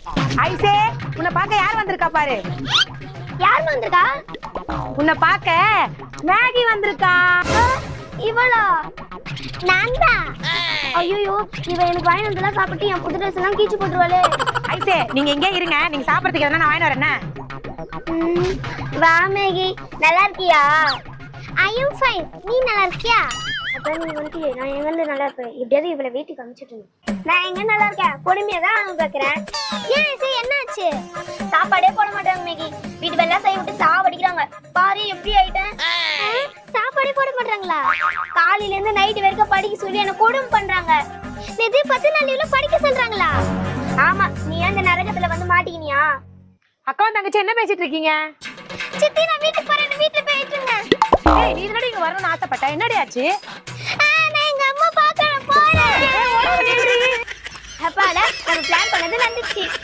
ஐசே, உன்னை பார்க்க யார் வந்திருக்கா பாரு. யார் வந்திருக்கா? உன்னை பார்க்க மேகி வந்திருக்கா. இவளா? நான் தான். ஐயோ, இவ எனக்கு வாங்கி வந்தெல்லாம் சாப்பிட்டு என் புது ட்ரெஸ் எல்லாம் கீச்சு போட்டுருவாளே. ஐசே, நீங்க எங்கே இருங்க, நீங்க சாப்பிடறதுக்கு எதனா நான் வாங்கி வரேன். வா மேகி, நல்லா இருக்கியா? I am fine. நீ நல்லா இருக்கியா? அப்புறம் நீ வந்து நான் எங்க இருந்து நல்லா இருப்பேன். எப்படியாவது இவளை வீட்டுக்கு அனுப்பிச்சிட்டு நான் எங்க நல்லா இருக்கேன். பொறுமையா தான் அவங்க கேட்கறேன். ஏன் இது என்னாச்சு? சாப்பாடே போட மாட்டாங்க மேகி. வீட்டு வேலை செய்ய விட்டு சாவடிக்கிறாங்க. பாரு எப்படி ஆயிட்டேன். சாப்பாடே போட மாட்டாங்களா? காலையில இருந்து நைட் வரைக்கும் படிக்க சொல்லி என்ன கொடுமை பண்றாங்க. நிதி 10 நாள் லீவ்ல படிக்க சொல்றாங்களா? ஆமா, நீ அந்த நரகத்துல வந்து மாட்டிக்கினியா? அக்காவும் தங்கச்சி என்ன பேசிட்டு இருக்கீங்க? சித்தி, நான் வீட்டுக்கு போறேன். வீட்டுல போயிட்டு இருந்தேன். ஏய், நீ இதனடி இங்க வரணும்னு ஆசைப்பட்ட. என்னடி ஆச்சு? நான் எங்க அம்மா பார்க்க போறேன். அப்பாடா, நம்ம பிளான் பண்ணது நடந்துச்சு.